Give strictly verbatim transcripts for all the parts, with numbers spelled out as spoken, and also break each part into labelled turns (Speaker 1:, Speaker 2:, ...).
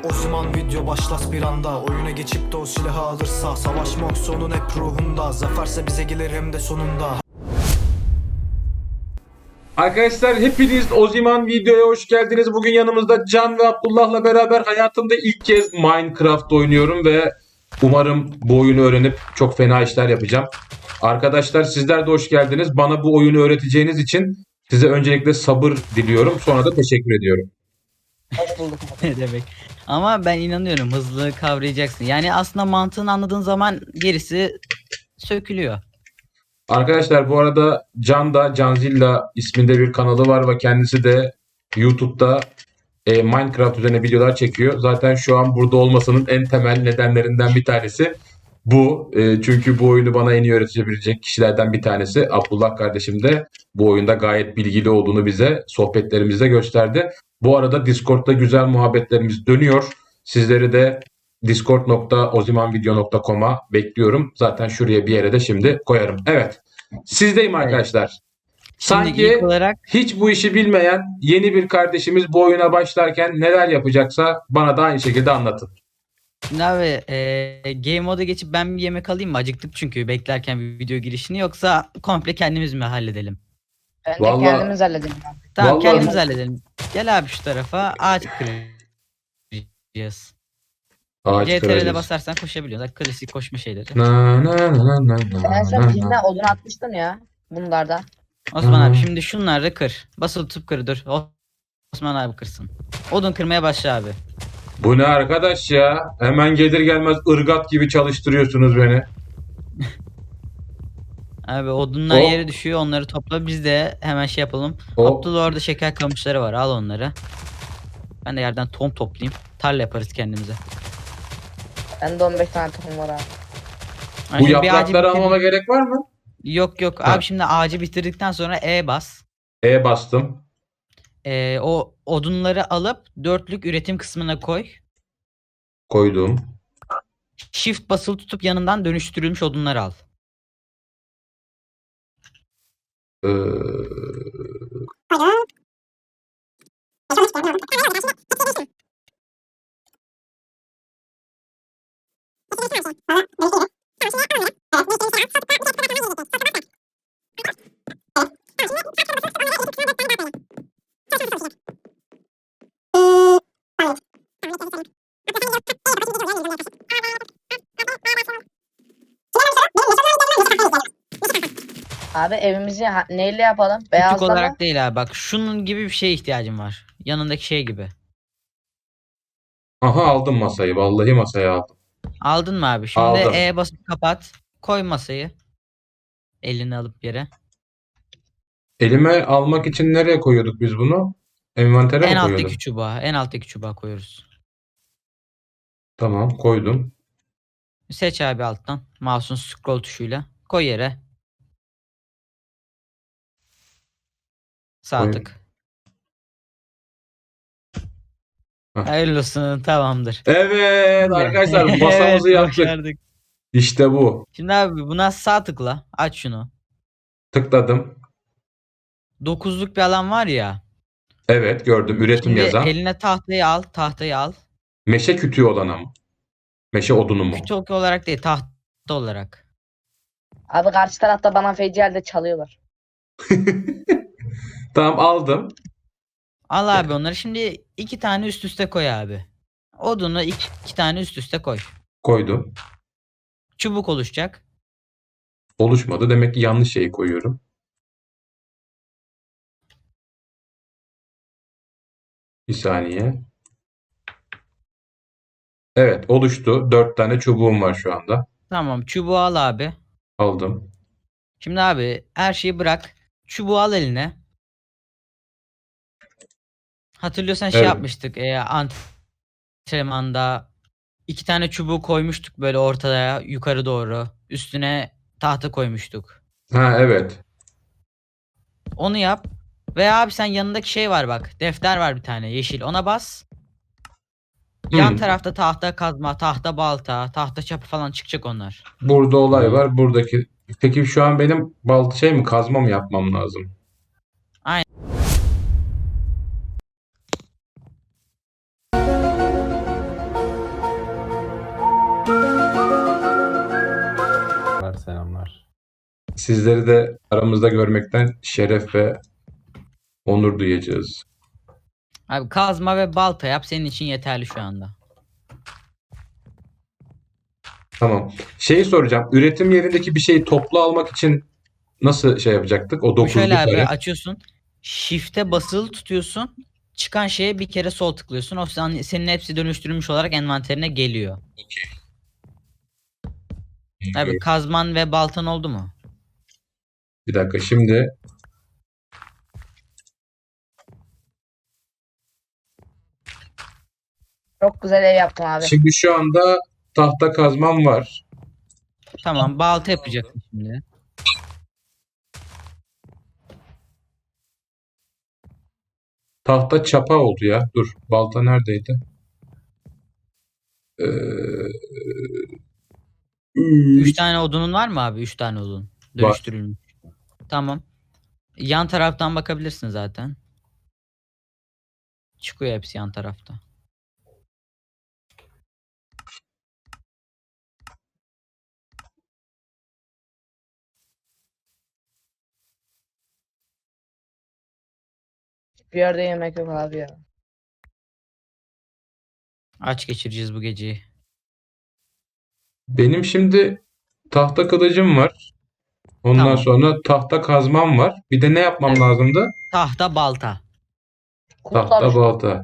Speaker 1: O zaman video başlas bir anda. Oyuna geçip de o silahı alırsa, savaşmak sonun hep ruhunda. Zaferse bize gelir hem de sonunda.
Speaker 2: Arkadaşlar hepiniz Oziman videoya hoş geldiniz. Bugün yanımızda Can ve Abdullah'la beraber hayatımda ilk kez Minecraft oynuyorum ve umarım bu oyunu öğrenip çok fena işler yapacağım. Arkadaşlar sizler de hoş geldiniz. Bana bu oyunu öğreteceğiniz için size öncelikle sabır diliyorum. Sonra da teşekkür ediyorum.
Speaker 3: Hoş bulduk.
Speaker 4: Ne demek? Ama ben inanıyorum, hızlı kavrayacaksın. Yani aslında mantığını anladığın zaman gerisi sökülüyor.
Speaker 2: Arkadaşlar bu arada Can da Canzilla isminde bir kanalı var ve kendisi de YouTube'da e, Minecraft üzerine videolar çekiyor. Zaten şu an burada olmasının en temel nedenlerinden bir tanesi bu. E, çünkü bu oyunu bana en iyi öğretebilecek kişilerden bir tanesi. Abdullah kardeşim de bu oyunda gayet bilgili olduğunu bize sohbetlerimizde gösterdi. Bu arada Discord'da güzel muhabbetlerimiz dönüyor. Sizleri de discord nokta ozimanvideo nokta com'a bekliyorum. Zaten şuraya bir yere de şimdi koyarım. Evet. Sizdeyim arkadaşlar.
Speaker 4: Şimdi
Speaker 2: Sanki
Speaker 4: ilk olarak
Speaker 2: hiç bu işi bilmeyen yeni bir kardeşimiz bu oyuna başlarken neler yapacaksa bana da aynı şekilde anlatın.
Speaker 4: şimdi abi e, game moda geçip ben bir yemek alayım mı? Acıktık çünkü beklerken bir video girişini, yoksa komple kendimiz mi halledelim?
Speaker 3: Bence
Speaker 2: Vallahi-
Speaker 3: kendimiz halledelim.
Speaker 4: Tamam,
Speaker 2: Vallahi-
Speaker 4: kendimiz halledelim. Gel abi şu tarafa, ağaç kıracağız.
Speaker 2: Ağaç
Speaker 4: C T R'de
Speaker 2: kıracağız.
Speaker 4: basarsan koşabiliyorsun. Bak, klasik koşma şeyleri.
Speaker 2: Na, na, na, na, na,
Speaker 3: Ben en son
Speaker 2: na,
Speaker 3: birinden
Speaker 2: na.
Speaker 3: odun atmıştım ya. Bunlarda.
Speaker 4: Osman
Speaker 2: Hmm.
Speaker 4: abi şimdi şunları kır. Basılı tutup kır, dur. Osman abi kırsın. Odun kırmaya başla abi.
Speaker 2: Bu ne arkadaş ya? Hemen gelir gelmez ırgat gibi çalıştırıyorsunuz beni.
Speaker 4: Abi odunlar
Speaker 2: Hop.
Speaker 4: yere düşüyor, onları topla, biz de hemen şey yapalım.
Speaker 2: Hop.
Speaker 4: Abdullah orada şeker kamışları var, al onları. Ben de yerden tohum toplayayım. Tarla yaparız kendimize.
Speaker 3: Bende on beş tane tohum var abi.
Speaker 4: Ha,
Speaker 2: Bu
Speaker 4: şimdi bir ağacı
Speaker 2: yaprakları
Speaker 4: bitirdik-
Speaker 2: almama gerek var mı?
Speaker 4: Yok yok
Speaker 2: Ha.
Speaker 4: abi, şimdi ağacı bitirdikten sonra E bas.
Speaker 2: E bastım.
Speaker 4: Ee, o odunları alıp dörtlük üretim kısmına koy.
Speaker 2: Koydum.
Speaker 4: Shift basılı tutup yanından dönüştürülmüş odunları al.
Speaker 2: Ee,
Speaker 3: Abi evimizi ha- neyle yapalım?
Speaker 4: Küçük
Speaker 3: Beyazla mı?
Speaker 4: olarak değil abi, bak şunun gibi bir şeye ihtiyacım var. Yanındaki şey gibi.
Speaker 2: aha aldım masayı. Vallahi masayı aldım.
Speaker 4: Aldın mı abi? Şimdi
Speaker 2: Aldım.
Speaker 4: E basıp kapat. Koy masayı. Elini alıp yere.
Speaker 2: Elime almak için nereye koyuyorduk biz bunu? Envantere
Speaker 4: En
Speaker 2: mi
Speaker 4: alttaki
Speaker 2: koyuyorduk?
Speaker 4: çubuğa. En alttaki çubuğa koyuyoruz.
Speaker 2: Tamam koydum.
Speaker 4: Seç abi alttan. Mouse'un scroll tuşuyla. Koy yere. Sağ
Speaker 2: Koy.
Speaker 4: tık.
Speaker 2: Heh.
Speaker 4: Hayırlı olsun, tamamdır.
Speaker 2: Evet arkadaşlar masamızı
Speaker 4: Evet,
Speaker 2: yaptık.
Speaker 4: başardık.
Speaker 2: İşte bu.
Speaker 4: Şimdi abi buna sağ tıkla. Aç şunu.
Speaker 2: Tıkladım.
Speaker 4: Dokuzluk bir alan var ya.
Speaker 2: Evet gördüm. Üretim
Speaker 4: Şimdi
Speaker 2: yazan.
Speaker 4: eline tahtayı al. Tahtayı al.
Speaker 2: Meşe kütüğü olana mı? Meşe odunu mu?
Speaker 4: Küçük olarak değil, tahta olarak.
Speaker 3: Abi karşı tarafta bana feci halde çalıyorlar.
Speaker 2: Tamam aldım.
Speaker 4: Al abi onları. Şimdi iki tane üst üste koy abi. Odunu iki, iki tane üst üste koy.
Speaker 2: Koydum.
Speaker 4: Çubuk oluşacak.
Speaker 2: Oluşmadı. Demek ki yanlış şeyi koyuyorum. Bir saniye. Evet oluştu. Dört tane çubuğum var şu anda.
Speaker 4: Tamam, çubuğu al abi.
Speaker 2: Aldım.
Speaker 4: Şimdi abi her şeyi bırak. Çubuğu al eline. Hatırlıyorsan şey
Speaker 2: Evet.
Speaker 4: yapmıştık. E, antrenmanda iki tane çubuğu koymuştuk böyle ortaya yukarı doğru. Üstüne tahta koymuştuk.
Speaker 2: Ha evet.
Speaker 4: Onu yap. Ve abi sen yanındaki şey var bak. Defter var bir tane yeşil. Ona bas. Yan
Speaker 2: Hmm.
Speaker 4: tarafta tahta kazma, tahta balta, tahta çapı falan çıkacak onlar.
Speaker 2: Burada olay var. Buradaki. Peki şu an benim bal şey mi kazma mı yapmam lazım? sizleri de aramızda görmekten şeref ve onur duyacağız.
Speaker 4: Abi kazma ve balta yap, senin için yeterli şu anda.
Speaker 2: Tamam. Şeyi soracağım. Üretim yerindeki bir şeyi toplu almak için nasıl şey yapacaktık? O
Speaker 4: Bu
Speaker 2: dokuzlu
Speaker 4: şöyle abi,
Speaker 2: kare.
Speaker 4: açıyorsun. Shift'e basılı tutuyorsun. Çıkan şeye bir kere sol tıklıyorsun. O sen- senin hepsi dönüştürülmüş olarak envanterine geliyor. Abi kazman ve baltan oldu mu?
Speaker 2: Bir dakika şimdi
Speaker 3: Çok güzel ev yaptım abi.
Speaker 2: şimdi şu anda tahta kazmam var.
Speaker 4: Tamam, balta yapacaksın şimdi.
Speaker 2: Tahta çapa oldu ya. Dur. Balta neredeydi? Ee,
Speaker 4: Üç tane odunun var mı abi? Üç tane odun. Dönüştürülmüş. Tamam. Yan taraftan bakabilirsin zaten. Çıkıyor hepsi yan tarafta.
Speaker 3: Bir yerde yemek yok abi ya.
Speaker 4: Aç geçireceğiz bu geceyi.
Speaker 2: benim şimdi tahta kılıcım var. Ondan
Speaker 4: Tamam.
Speaker 2: sonra tahta kazmam var. Bir de ne yapmam
Speaker 4: Evet.
Speaker 2: lazımdı?
Speaker 4: Tahta balta.
Speaker 2: Tahta
Speaker 3: Kutlamış.
Speaker 2: balta.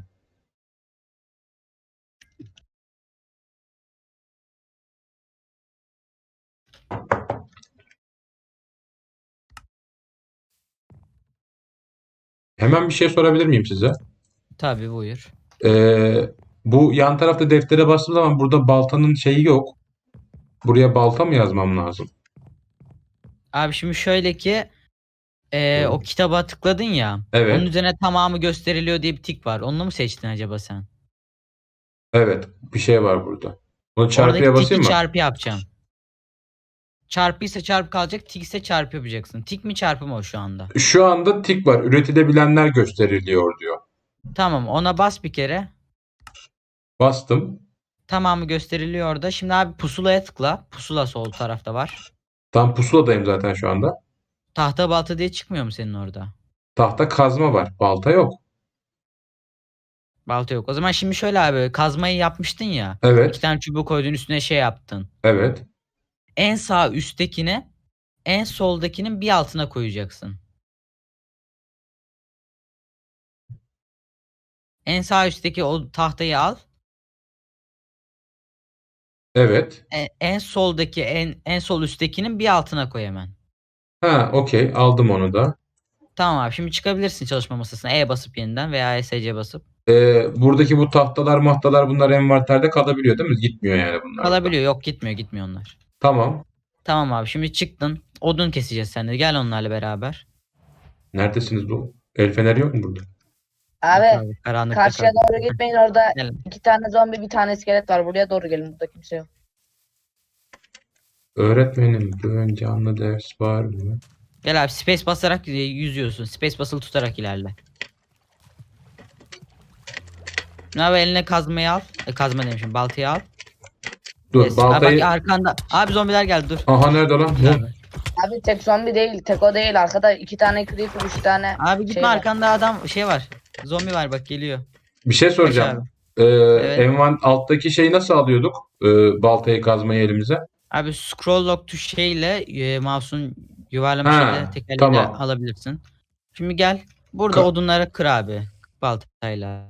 Speaker 2: Hemen bir şey sorabilir miyim size?
Speaker 4: Tabii, buyur.
Speaker 2: Ee, bu yan tarafta deftere bastığım zaman burada baltanın şeyi yok. Buraya balta mı yazmam lazım?
Speaker 4: Abi şimdi şöyle ki e, o kitaba tıkladın ya.
Speaker 2: Evet.
Speaker 4: Onun üzerine tamamı gösteriliyor diye bir tik var. Onu mu seçtin acaba sen?
Speaker 2: Evet. Bir şey var burada. Onu çarpıya
Speaker 4: Oradaki
Speaker 2: basayım
Speaker 4: tiki
Speaker 2: mı?
Speaker 4: çarpı yapacağım. Çarpı ise çarpı kalacak. Tik ise çarpı yapacaksın. Tik mi çarpı mı o şu anda?
Speaker 2: Şu anda tik var. Üretilebilenler gösteriliyor diyor.
Speaker 4: Tamam, ona bas bir kere.
Speaker 2: Bastım.
Speaker 4: Tamamı gösteriliyor orada. Şimdi abi pusulaya tıkla. Pusula sol tarafta var.
Speaker 2: Tam pusuladayım zaten şu anda.
Speaker 4: Tahta balta diye çıkmıyor mu senin orada?
Speaker 2: Tahta kazma var. Balta yok.
Speaker 4: Balta yok. O zaman şimdi şöyle abi, kazmayı yapmıştın ya.
Speaker 2: Evet.
Speaker 4: İki tane çubuğu koydun, üstüne şey yaptın.
Speaker 2: Evet.
Speaker 4: En sağ üsttekini en soldakinin bir altına koyacaksın. En sağ üstteki o tahtayı al.
Speaker 2: Evet.
Speaker 4: E- En soldaki en en sol üsttekinin bir altına koy hemen.
Speaker 2: Ha, okey. Aldım onu da.
Speaker 4: Tamam abi, şimdi çıkabilirsin çalışma masasına. E basıp yeniden veya E S C basıp.
Speaker 2: Ee, buradaki bu tahtalar mahtalar bunlar envanterde kalabiliyor değil mi? Gitmiyor yani bunlar.
Speaker 4: Kalabiliyor. Yok, gitmiyor gitmiyor onlar.
Speaker 2: Tamam.
Speaker 4: Tamam abi, şimdi çıktın. Odun keseceğiz seninle. Gel onlarla beraber.
Speaker 2: Neredesiniz bu? El feneri yok mu burada?
Speaker 3: Abi
Speaker 4: Karanlıkta
Speaker 3: karşıya
Speaker 4: kal.
Speaker 3: doğru gitmeyin, orada
Speaker 4: Gel.
Speaker 3: iki tane zombi bir tane iskelet var. Buraya doğru gelin, burada kimse yok.
Speaker 2: Öğretmenim, bugün canlı ders var mı?
Speaker 4: Gel abi, space basarak e, yüzüyorsun. Space basılı tutarak ilerle. Ne abi, eline kazmayı al. E, kazma demişim, baltayı al.
Speaker 2: Dur,
Speaker 4: Yes. Abi
Speaker 2: baltayı...
Speaker 4: bak arkanda. Abi zombiler geldi, dur.
Speaker 2: Aha, nerede lan? Bu.
Speaker 4: Abi.
Speaker 3: Abi tek zombi değil, tek o değil. Arkada iki tane creeper, üç tane
Speaker 4: Abi gitme,
Speaker 3: şey var.
Speaker 4: arkanda adam şey var. Zombi var bak, geliyor.
Speaker 2: Bir şey
Speaker 4: Kaç
Speaker 2: soracağım.
Speaker 4: abi?
Speaker 2: Ee,
Speaker 4: Evet.
Speaker 2: envan alttaki şeyi nasıl alıyorduk? Ee, baltayı kazmayı elimize.
Speaker 4: Abi scroll lock tuş şeyle e, mouse'un yuvarlama
Speaker 2: Ha,
Speaker 4: şeyle tekerleğiyle
Speaker 2: tamam.
Speaker 4: alabilirsin. Şimdi gel. Burada
Speaker 2: Ka-
Speaker 4: odunları kır abi. Baltayla.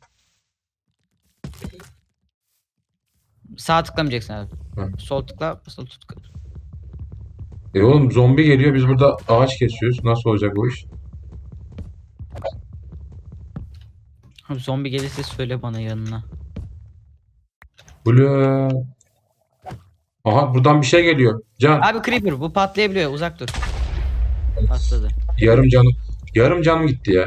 Speaker 4: Sağ tıklamayacaksın abi.
Speaker 2: Hı.
Speaker 4: Sol tıkla, basılı tut. kır.
Speaker 2: E oğlum, zombi geliyor, biz burada ağaç kesiyoruz. Nasıl olacak bu iş?
Speaker 4: Abi zombi gelirse söyle bana yanına.
Speaker 2: Ula. Aha, buradan bir şey geliyor. Can,
Speaker 4: Abi creeper bu patlayabiliyor, uzak dur. Patladı.
Speaker 2: yarım canım. Yarım canım gitti ya.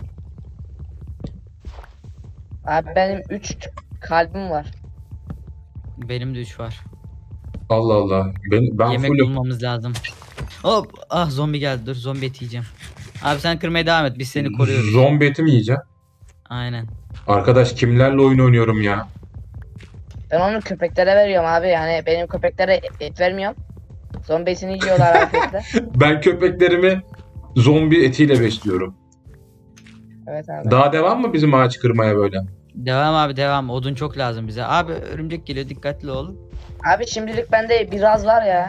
Speaker 3: Abi benim üç kalbim var.
Speaker 4: Benim de üç var.
Speaker 2: Allah Allah. Ben, ben
Speaker 4: Yemek
Speaker 2: fullüm.
Speaker 4: bulmamız lazım. Hop, ah zombi geldi, dur zombi eti yiyeceğim. Abi sen kırmaya devam et, biz seni koruyoruz.
Speaker 2: Zombi eti mi yiyeceğim?
Speaker 4: Aynen.
Speaker 2: Arkadaş, kimlerle oyun oynuyorum ya?
Speaker 3: Ben onu köpeklere veriyorum abi. Yani benim köpeklere et vermiyorum. Zombisini yiyorlar afiyetle.
Speaker 2: Ben köpeklerimi zombi etiyle besliyorum.
Speaker 3: Evet abi.
Speaker 2: Daha devam mı bizim ağaç kırmaya böyle?
Speaker 4: Devam abi devam. Odun çok lazım bize. Abi örümcek geliyor dikkatli ol.
Speaker 3: Abi şimdilik bende biraz var ya.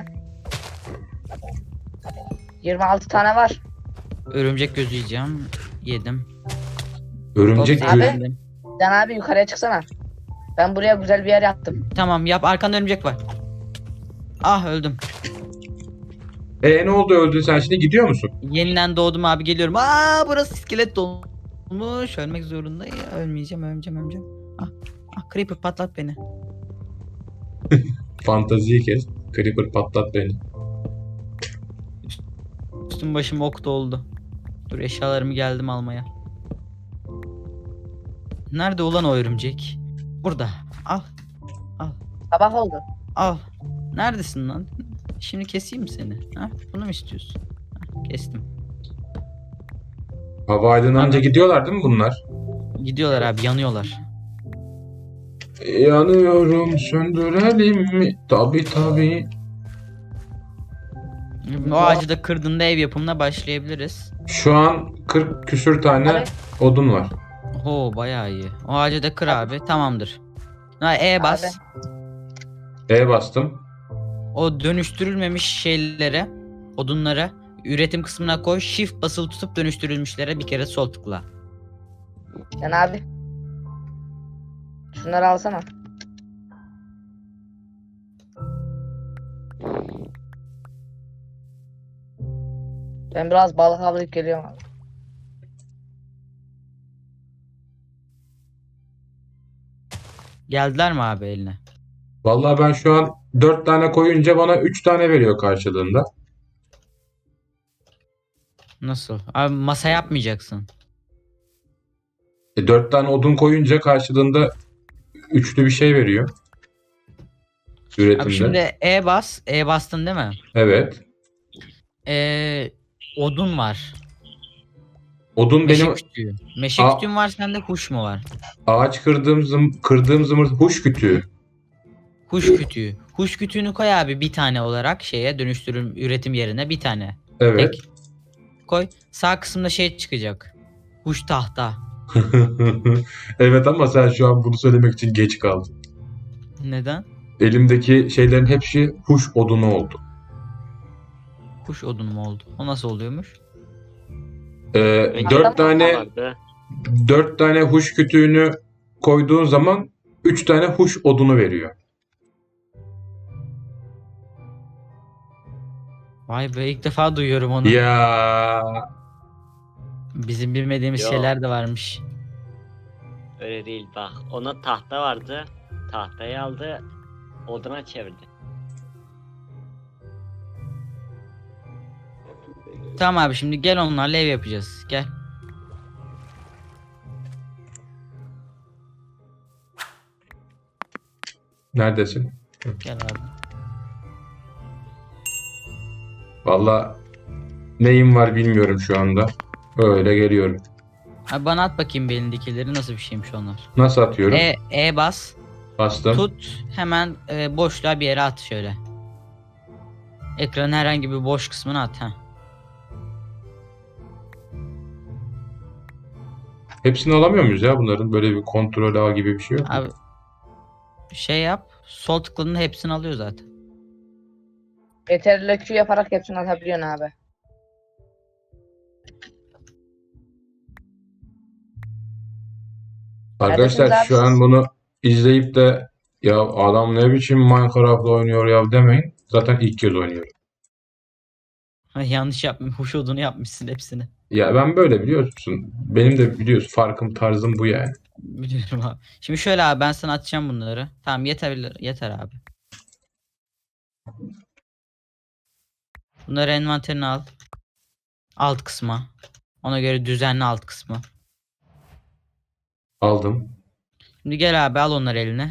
Speaker 3: yirmi altı tane var.
Speaker 4: Örümcek gözü yiyeceğim. Yedim.
Speaker 2: Örümcek
Speaker 4: Hop,
Speaker 3: Abi.
Speaker 2: gül.
Speaker 4: yedim.
Speaker 3: Can abi yukarıya çıksana. Ben buraya güzel bir yer yaptım.
Speaker 4: Tamam yap, arkanda örümcek var. Ah öldüm.
Speaker 2: E ne oldu, öldün sen, şimdi gidiyor musun?
Speaker 4: Yeniden doğdum abi, geliyorum. Aa burası iskelet dolmuş. Ölmek zorundayım. Ölmeyeceğim ölmeyeceğim ölmeyeceğim. Ah, ah creeper patlat beni.
Speaker 2: Fantaziyi kes. Creeper patlat beni.
Speaker 4: Üstüm başım ok doldu. Dur eşyalarımı geldim almaya. Nerede ulan o örümcek? Burada. Al.
Speaker 3: Sabah oldu.
Speaker 4: Al. Neredesin lan? Şimdi keseyim mi seni? Ha? Bunu mu istiyorsun? Ha, kestim.
Speaker 2: Hava aydınlanınca
Speaker 4: Abi.
Speaker 2: gidiyorlar değil mi bunlar?
Speaker 4: Gidiyorlar abi, yanıyorlar.
Speaker 2: Yanıyorum, söndürelim mi? Tabi tabi.
Speaker 4: O ağacı da kırdığında ev yapımına başlayabiliriz.
Speaker 2: Şu an kırk küsür tane
Speaker 3: Abi.
Speaker 2: odun var.
Speaker 4: Ho bayağı iyi. O ağacı da kır abi. Tamamdır. Ha, E bas.
Speaker 2: E bastım.
Speaker 4: O dönüştürülmemiş şeylere, odunlara üretim kısmına koy. Shift basılı tutup dönüştürülmüşlere bir kere sol tıkla.
Speaker 3: Can abi. Şunları alsana. Ben biraz balık avlayıp geliyorum abi.
Speaker 4: Geldiler mi abi eline?
Speaker 2: Vallahi ben şu an dört tane koyunca bana üç tane veriyor karşılığında.
Speaker 4: Nasıl? Abi masa yapmayacaksın.
Speaker 2: E, dört tane odun koyunca karşılığında üçlü bir şey veriyor. Üretimde.
Speaker 4: Abi şimdi E bas. E bastın değil mi?
Speaker 2: Evet.
Speaker 4: Ee, odun var.
Speaker 2: Odun
Speaker 4: Meşe
Speaker 2: benim
Speaker 4: kütüğü. Meşe
Speaker 2: Aa.
Speaker 4: kütüğün var, sende huş mu var?
Speaker 2: ağaç kırdığım zım, kırdığım zımır huş kütüğü.
Speaker 4: Huş kütüğü. Huş kütüğünü koy abi bir tane olarak şeye dönüştürüm üretim yerine bir tane.
Speaker 2: Evet.
Speaker 4: Tek. Koy. Sağ kısımda şey çıkacak. Huş tahta.
Speaker 2: Evet ama sen şu an bunu söylemek için geç kaldın.
Speaker 4: Neden?
Speaker 2: Elimdeki şeylerin hepsi huş odunu oldu.
Speaker 4: Huş odunu mu oldu? O nasıl oluyormuş?
Speaker 2: Ee,
Speaker 3: Peki.
Speaker 2: dört tane
Speaker 5: Vardı.
Speaker 2: dört tane huş kütüğünü koyduğun zaman üç tane huş odunu veriyor.
Speaker 4: Vay be, ilk defa duyuyorum onu.
Speaker 2: Ya
Speaker 4: Bizim bilmediğimiz
Speaker 5: Yo.
Speaker 4: şeyler de varmış.
Speaker 5: Öyle değil bak. Ona tahta vardı. Tahtayı aldı. Oduna çevirdi.
Speaker 4: Tamam abi, şimdi gel onlarla ev yapacağız. Gel.
Speaker 2: neredesin?
Speaker 4: Gel abi.
Speaker 2: Valla neyim var bilmiyorum şu anda. Öyle geliyorum.
Speaker 4: Abi bana at bakayım bir elindekileri, nasıl bir şeymiş onlar.
Speaker 2: Nasıl atıyorum?
Speaker 4: E, E bas.
Speaker 2: Bastım.
Speaker 4: Tut hemen e, boşluğa bir yere at şöyle. Ekranın herhangi bir boş kısmına at ha.
Speaker 2: Hepsini alamıyor muyuz ya bunların? Böyle bir kontrol ağı gibi bir şey yok mu?
Speaker 4: Abi şey yap. Sol tıkladığında hepsini alıyor zaten.
Speaker 3: Yeterli Q yaparak hepsini atabiliyorsun abi.
Speaker 2: Arkadaşlar
Speaker 3: Neredesiniz
Speaker 2: şu
Speaker 3: abi
Speaker 2: an
Speaker 3: siz?
Speaker 2: bunu izleyip de ya adam ne biçim Minecraft oynuyor ya demeyin. Zaten ilk kez oynuyorum.
Speaker 4: Yanlış yapmış. Huş odunu yapmışsın hepsini.
Speaker 2: Ya ben böyle biliyorsun. Benim de biliyorsun farkım tarzım bu yani.
Speaker 4: Biliyorum abi. Şimdi şöyle abi, ben sana atacağım bunları. Tamam yeter yeter abi. Bunları envanterine al. Alt kısma. Ona göre düzenli alt kısmı.
Speaker 2: Aldım.
Speaker 4: Şimdi gel abi, al onları eline.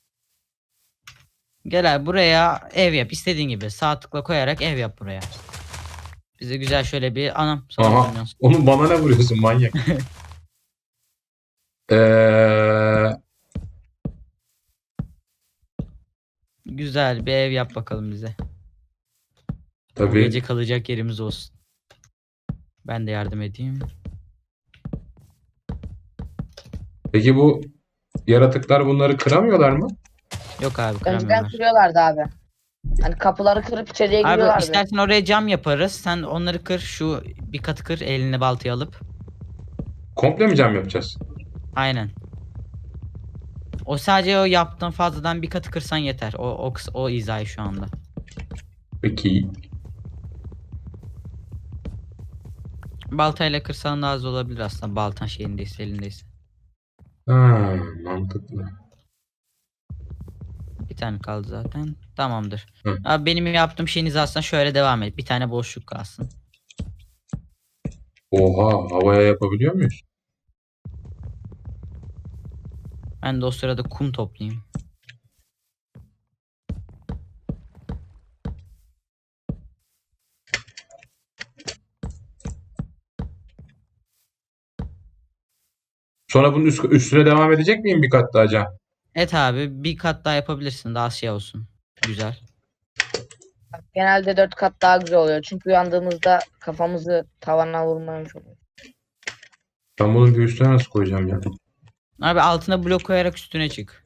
Speaker 4: Gel abi buraya ev yap. İstediğin gibi sağ tıkla koyarak ev yap buraya. Bize güzel şöyle bir anam. sana
Speaker 2: Aha.
Speaker 4: oynuyorsun.
Speaker 2: Onu bana ne vuruyorsun manyak? Eee
Speaker 4: Güzel bir ev yap bakalım bize. Bu
Speaker 2: Tabii.
Speaker 4: gece kalacak yerimiz olsun. Ben de yardım edeyim.
Speaker 2: Peki bu yaratıklar bunları kıramıyorlar mı?
Speaker 4: Yok abi
Speaker 3: Önceden
Speaker 4: kıramıyorlar.
Speaker 3: kırıyorlardı abi. Hani kapıları kırıp içeriye
Speaker 4: Abi
Speaker 3: giriyorlardı.
Speaker 4: istersen oraya cam yaparız. Sen onları kır. Şu bir katı kır eline baltayı alıp.
Speaker 2: Komple mi cam yapacağız?
Speaker 4: Aynen. O sadece o yaptığın fazladan bir katı kırsan yeter. O o, kıs- o hizayı şu anda.
Speaker 2: Peki.
Speaker 4: Baltayla kırsan daha az olabilir aslında. Baltan şeyindeyse elindeyse.
Speaker 2: Ha, mantıklı.
Speaker 4: Bir tane kaldı zaten. Tamamdır.
Speaker 2: Hı.
Speaker 4: Abi benim yaptığım şeyin hizasına şöyle devam et. Bir tane boşluk kalsın.
Speaker 2: Oha, havaya yapabiliyor muyuz?
Speaker 4: Ben de o sırada kum toplayayım.
Speaker 2: Sonra bunun üst, üstüne devam edecek miyim bir kat daha cam?
Speaker 4: Evet abi bir kat daha yapabilirsin. Daha şey olsun. Güzel.
Speaker 3: Genelde dört kat daha güzel oluyor. Çünkü uyandığımızda kafamızı tavana vurmamış oluyor.
Speaker 2: Ben bunun bir üstüne nasıl koyacağım ya?
Speaker 4: Abi altına blok koyarak üstüne çık.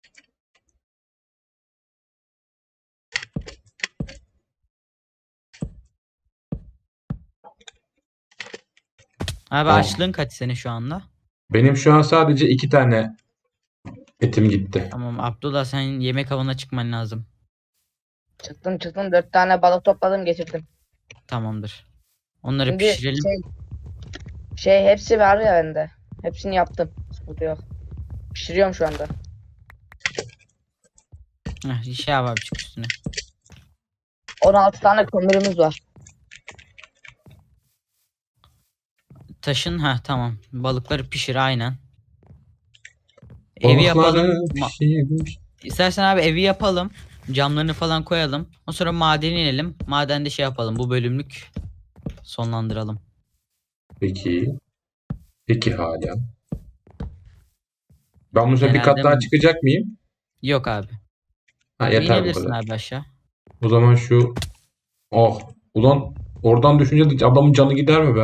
Speaker 4: Abi
Speaker 2: Tamam.
Speaker 4: açlığın kaç senin şu anda?
Speaker 2: Benim şu an sadece iki tane etim gitti.
Speaker 4: Tamam Abdullah sen yemek avına çıkman lazım.
Speaker 3: Çıktım çıktım dört tane balık topladım getirdim.
Speaker 4: Tamamdır. Onları
Speaker 3: Şimdi
Speaker 4: pişirelim.
Speaker 3: şey, şey hepsi var ya bende. Hepsini yaptım. Sıkıntı yok. Pişiriyorum şu anda.
Speaker 4: Heh, şey yap abi çık üstüne.
Speaker 3: on altı tane kömürümüz var.
Speaker 4: Taşın ha tamam. Balıkları pişir aynen. Evi yapalım.
Speaker 2: Balıkları
Speaker 4: Ma-
Speaker 2: pişirmiş.
Speaker 4: İstersen abi evi yapalım. Camlarını falan koyalım. Ondan sonra madene inelim. Madende şey yapalım. Bu bölümlük sonlandıralım.
Speaker 2: Peki. Peki hala. Ben bu sefer bir
Speaker 4: Genelde
Speaker 2: kat daha
Speaker 4: mi-
Speaker 2: çıkacak mıyım?
Speaker 4: Yok abi.
Speaker 2: Ha, yeter bu
Speaker 4: İnebilirsin
Speaker 2: kadar.
Speaker 4: abi aşağı.
Speaker 2: O zaman şu... Oh. Ulan oradan düşünce de adamın canı gider mi be?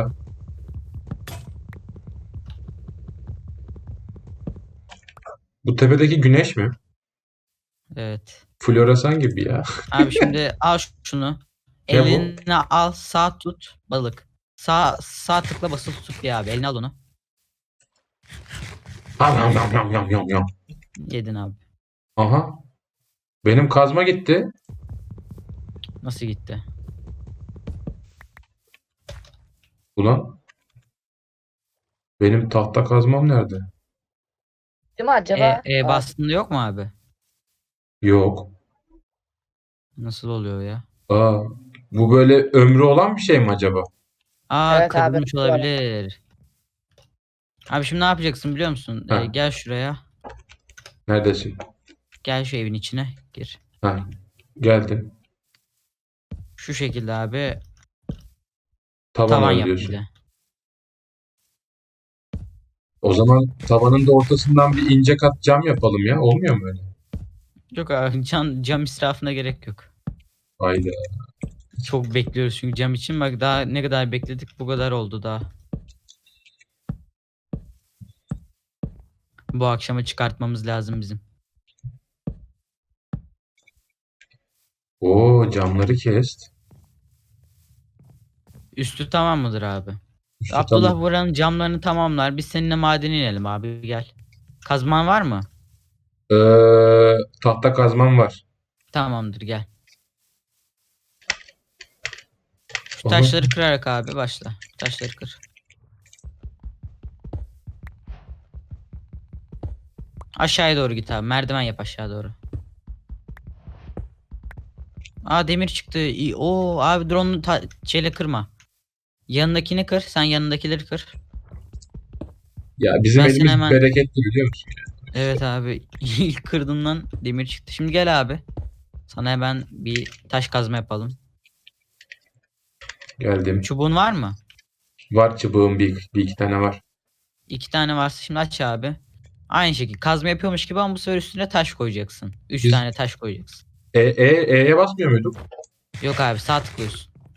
Speaker 2: Bu tepedeki güneş mi?
Speaker 4: Evet.
Speaker 2: Floresan gibi ya.
Speaker 4: Abi şimdi al şunu.
Speaker 2: Ne bu?
Speaker 4: Eline al sağ tut balık. Sağ sağ tıkla basılı tut bir abi. Eline al onu.
Speaker 2: Yam yam yam yam yam yam yam.
Speaker 4: Yedin abi.
Speaker 2: Aha. Benim kazma gitti.
Speaker 4: Nasıl gitti?
Speaker 2: Ulan. Benim tahta kazmam nerede?
Speaker 3: Değil mi acaba?
Speaker 4: E, e
Speaker 3: Aa,
Speaker 4: bastığında yok mu abi?
Speaker 2: Yok.
Speaker 4: Nasıl oluyor ya?
Speaker 2: Aa. Bu böyle ömrü olan bir şey mi acaba?
Speaker 4: Aa
Speaker 3: Evet abi,
Speaker 4: kırılmış
Speaker 3: doğru.
Speaker 4: olabilir. Abi şimdi ne yapacaksın biliyor musun?
Speaker 2: Ha.
Speaker 4: Ee, gel şuraya.
Speaker 2: Neredesin?
Speaker 4: Gel şu evin içine gir.
Speaker 2: Ha. Geldim.
Speaker 4: Şu şekilde abi
Speaker 2: Tavan
Speaker 4: tavan yap
Speaker 2: örüyorsun.
Speaker 4: bir de.
Speaker 2: O zaman tavanın da ortasından bir ince kat cam yapalım ya. Olmuyor mu öyle?
Speaker 4: Yok abi cam, cam israfına gerek yok.
Speaker 2: Hayda.
Speaker 4: Çok bekliyoruz çünkü cam için. Bak daha ne kadar bekledik bu kadar oldu daha. Bu akşama çıkartmamız lazım bizim.
Speaker 2: Oo, camları kest.
Speaker 4: Üstü tamam mıdır abi?
Speaker 2: Üstü
Speaker 4: Abdullah
Speaker 2: tamam.
Speaker 4: buranın camlarını tamamlar. Biz seninle madene inelim abi gel. Kazman var mı?
Speaker 2: Ee, tahta kazmam var.
Speaker 4: Tamamdır gel. Şu
Speaker 2: Aha.
Speaker 4: taşları kırarak abi başla. Taşları kır. Aşağıya doğru git abi. Merdiven yap aşağı doğru. Aa demir çıktı. İyi. Oo abi drone'u ta- şeyle kırma. Yanındakini kır. Sen yanındakileri kır.
Speaker 2: Ya bizim
Speaker 4: Ben seni
Speaker 2: elimiz
Speaker 4: hemen-
Speaker 2: bereketli biliyor musun?
Speaker 4: Evet abi. İlk kırdığından demir çıktı. Şimdi gel abi. Sana hemen bir taş kazma yapalım.
Speaker 2: Geldim.
Speaker 4: Çubuğun var mı?
Speaker 2: Var çubuğum bir, bir iki tane var.
Speaker 4: İki tane varsa şimdi aç abi. Aynı şekilde kazma yapıyormuş gibi ama bu sefer üstüne taş koyacaksın. Üç
Speaker 2: Biz-
Speaker 4: tane taş koyacaksın.
Speaker 2: E, e, E'ye basmıyor muyduk?
Speaker 4: Yok abi sağ tıklıyorsun.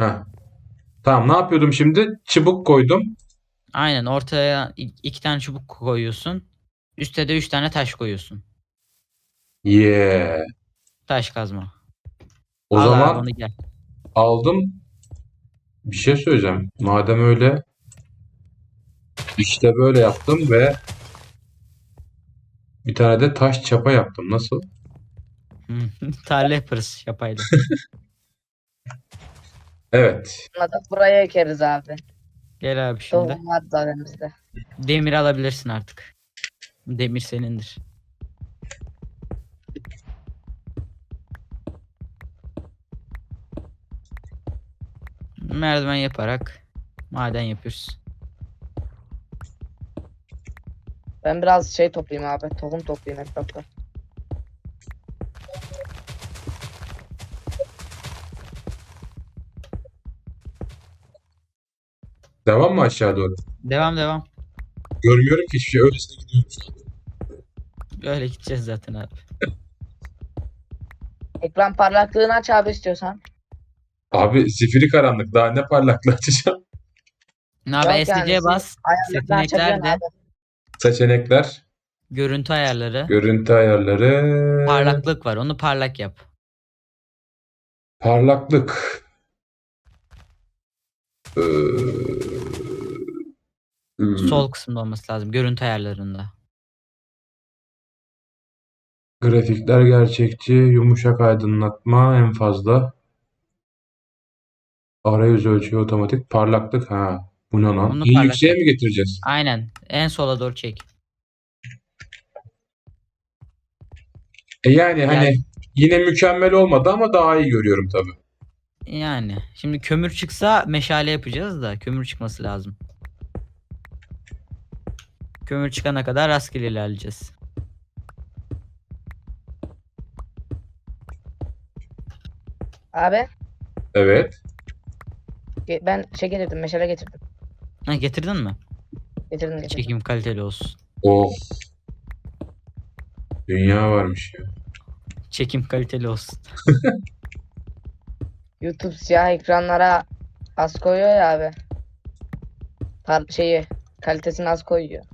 Speaker 2: Heh. Tamam, ne yapıyordum şimdi? Çubuk koydum.
Speaker 4: Aynen, ortaya i- iki tane çubuk koyuyorsun. Üste de üç tane taş koyuyorsun.
Speaker 2: Yeah.
Speaker 4: Taş kazma.
Speaker 2: O
Speaker 4: Al abi
Speaker 2: zaman
Speaker 4: onu gel.
Speaker 2: aldım. Bir şey söyleyeceğim. Madem öyle, işte böyle yaptım ve bir tane de taş çapa yaptım. Nasıl?
Speaker 4: Tarla yaparız yapayla.
Speaker 2: Evet.
Speaker 3: Bunları da buraya ekeriz abi.
Speaker 4: Gel abi şimdi.
Speaker 3: Tohum var zaten bizde.
Speaker 4: Demir alabilirsin artık. Demir senindir. Merdiven yaparak maden yapıyoruz.
Speaker 3: Ben biraz şey toplayayım abi. Tohum toplayayım etrafta.
Speaker 2: Devam mı aşağı doğru?
Speaker 4: Devam devam.
Speaker 2: Görmüyorum ki hiçbir şey. Öylesine gidiyorum şu an.
Speaker 4: Öyle gideceğiz zaten abi.
Speaker 3: Ekran parlaklığını aç abi istiyorsan.
Speaker 2: Abi zifiri karanlık. Daha ne parlaklığı açacağım.
Speaker 4: Ne abi,
Speaker 3: Yok
Speaker 4: S C'ye
Speaker 3: yani,
Speaker 4: bas.
Speaker 3: Ayarlarını açabiliyorsun
Speaker 4: Seçeneklerde
Speaker 3: abi.
Speaker 2: Seçenekler,
Speaker 4: görüntü ayarları.
Speaker 2: görüntü ayarları,
Speaker 4: Parlaklık var. Onu parlak yap.
Speaker 2: parlaklık. Ee, hmm.
Speaker 4: Sol kısımda olması lazım. Görüntü ayarlarında.
Speaker 2: Grafikler gerçekçi, yumuşak aydınlatma en fazla. Arayüz ölçüyor otomatik. Parlaklık, ha. Bu ne lan?
Speaker 4: Onu
Speaker 2: İyi
Speaker 4: parlak
Speaker 2: yükseğe
Speaker 4: yap.
Speaker 2: mi getireceğiz?
Speaker 4: Aynen. En sola doğru çek.
Speaker 2: E yani hani
Speaker 4: Yani-
Speaker 2: yine mükemmel olmadı ama daha iyi görüyorum tabii.
Speaker 4: Yani. Şimdi kömür çıksa meşale yapacağız da kömür çıkması lazım. Kömür çıkana kadar rastgele ilerleyeceğiz.
Speaker 3: Abi
Speaker 2: Evet.
Speaker 3: ge- ben şey getirdim. Meşale getirdim.
Speaker 4: Ha, getirdin mi?
Speaker 3: Getirdim getirdim.
Speaker 4: Çekim kaliteli olsun.
Speaker 2: Oh. Dünya varmış ya.
Speaker 4: Çekim kaliteli olsun.
Speaker 3: YouTube siyah ekranlara az koyuyor ya abi. Par şeyi kalitesini az koyuyor.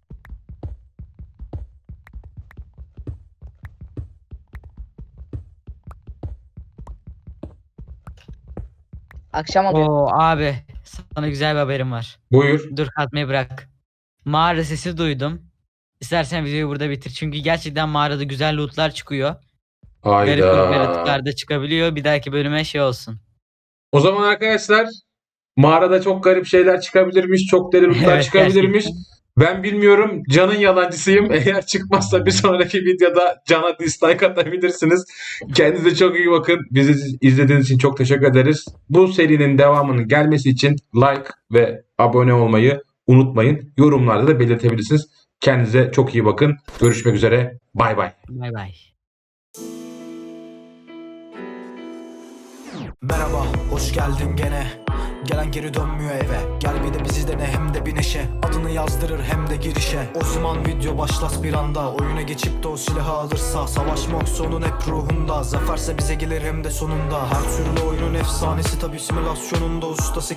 Speaker 3: Akşam oluyor.
Speaker 4: Oo abi, sana güzel bir haberim var.
Speaker 2: Buyur.
Speaker 4: Dur, katmayı bırak. Mağara sesi duydum. İstersen videoyu burada bitir. Çünkü gerçekten mağarada güzel lootlar çıkıyor. Garip garip
Speaker 2: Hayda.
Speaker 4: yaratıklar da çıkabiliyor. Bir dahaki bölüme şey olsun.
Speaker 2: O zaman arkadaşlar, mağarada çok garip şeyler çıkabilirmiş, çok deli lootlar
Speaker 4: Evet,
Speaker 2: çıkabilirmiş.
Speaker 4: gerçekten.
Speaker 2: Ben bilmiyorum, Can'ın yalancısıyım. Eğer çıkmazsa bir sonraki videoda Can'a dislike atabilirsiniz. Kendinize çok iyi bakın. Bizi izlediğiniz için çok teşekkür ederiz. Bu serinin devamının gelmesi için like ve abone olmayı unutmayın. Yorumlarda da belirtebilirsiniz. Kendinize çok iyi bakın. Görüşmek üzere. Bay bay.
Speaker 4: Bay bay.
Speaker 1: Merhaba, hoş geldin gene. Gelen geri dönmüyor eve. Gel bir de bizi dene, hem de bir neşe. Adını yazdırır hem de girişe. O zaman video başlas bir anda. Oyuna geçip de o silahı alırsa. Savaşmak sonun hep ruhunda. Zaferse bize gelir hem de sonunda. Her türlü oyunun efsanesi tabi simülasyonunda ustası.